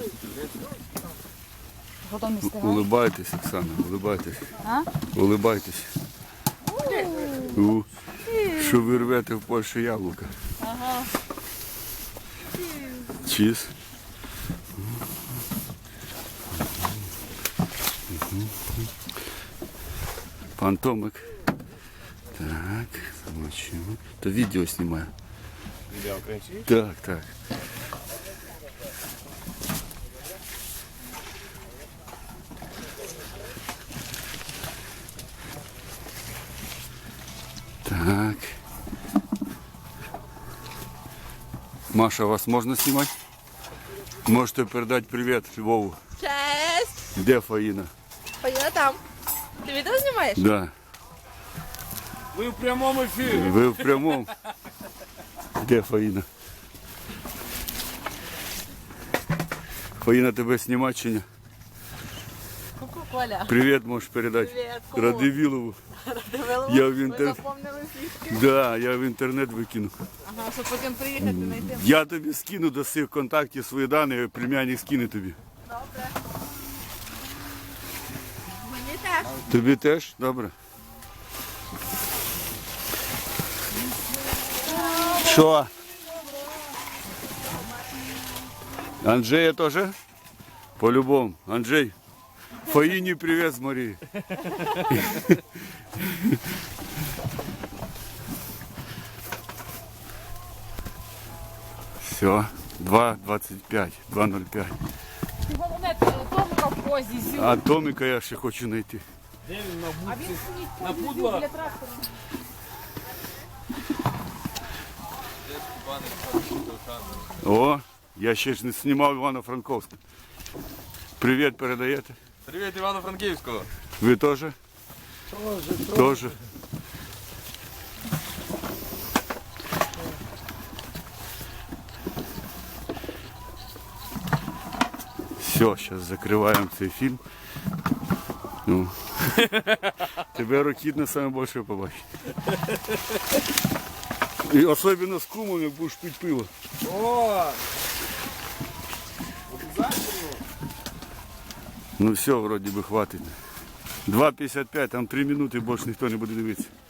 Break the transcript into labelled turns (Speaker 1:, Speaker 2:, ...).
Speaker 1: Потом не встигаю.
Speaker 2: Улыбайтесь, Оксана, улыбайтесь.
Speaker 1: А?
Speaker 2: Улыбайтесь. Що ви рвете в Польщі яблука.
Speaker 1: Ага.
Speaker 2: Чіз. Пан Томик. Так, замочимо. То відео знімаю.
Speaker 3: Відео кричить?
Speaker 2: Так, так. Так. Маша, вас можно снимать? Можете передать привет Львову.
Speaker 4: Честь!
Speaker 2: Где Фаїна?
Speaker 4: Поїду там. Ти відео знімаєш?
Speaker 2: Да.
Speaker 3: Ви в прямому ефірі.
Speaker 2: Ви в прямому. Де Фаїна? Фаїна, тебе знімати чи ні?
Speaker 4: Ку-ку, Коля.
Speaker 2: Привіт можеш передати.
Speaker 4: Привіт, кому?
Speaker 2: Радивілову.
Speaker 4: Дивилова?
Speaker 2: Я в
Speaker 4: Ви
Speaker 2: інтер...
Speaker 4: запомнили фішки?
Speaker 2: Да, я в інтернет викину.
Speaker 4: Ага, щоб потім приїхати знайти.
Speaker 2: Я тобі скину до цих контактів свої дані, племянник скине тобі.
Speaker 4: Добре. Мені теж.
Speaker 2: Тобі теж? Добре. Що? Анджея теж? По-любому. Анджей, Фаїні привіт з Марії. Все, 2.25, 2.05.
Speaker 1: Ти головне, Томка в позі зі.
Speaker 2: А Томіка я ще хочу знайти.
Speaker 3: Де він на
Speaker 1: А він
Speaker 3: будці?
Speaker 1: стоїть в
Speaker 3: На
Speaker 1: позі
Speaker 3: пудлах?
Speaker 1: біля трактора.
Speaker 2: О, я ще ж не знімав Івано-Франковська. Привіт передаєте?
Speaker 3: Привіт Івано-Франківського.
Speaker 2: Ви теж? Тоже. Все, зараз закриваємо цей фільм. Ну. Тебе Рокітне саме більше побачить. І особливо з кумом, як будеш пити пиво.
Speaker 3: О!
Speaker 2: Ну все, вроді би хватить. 2.55, там 3 минути, більше ніхто не буде дивитися.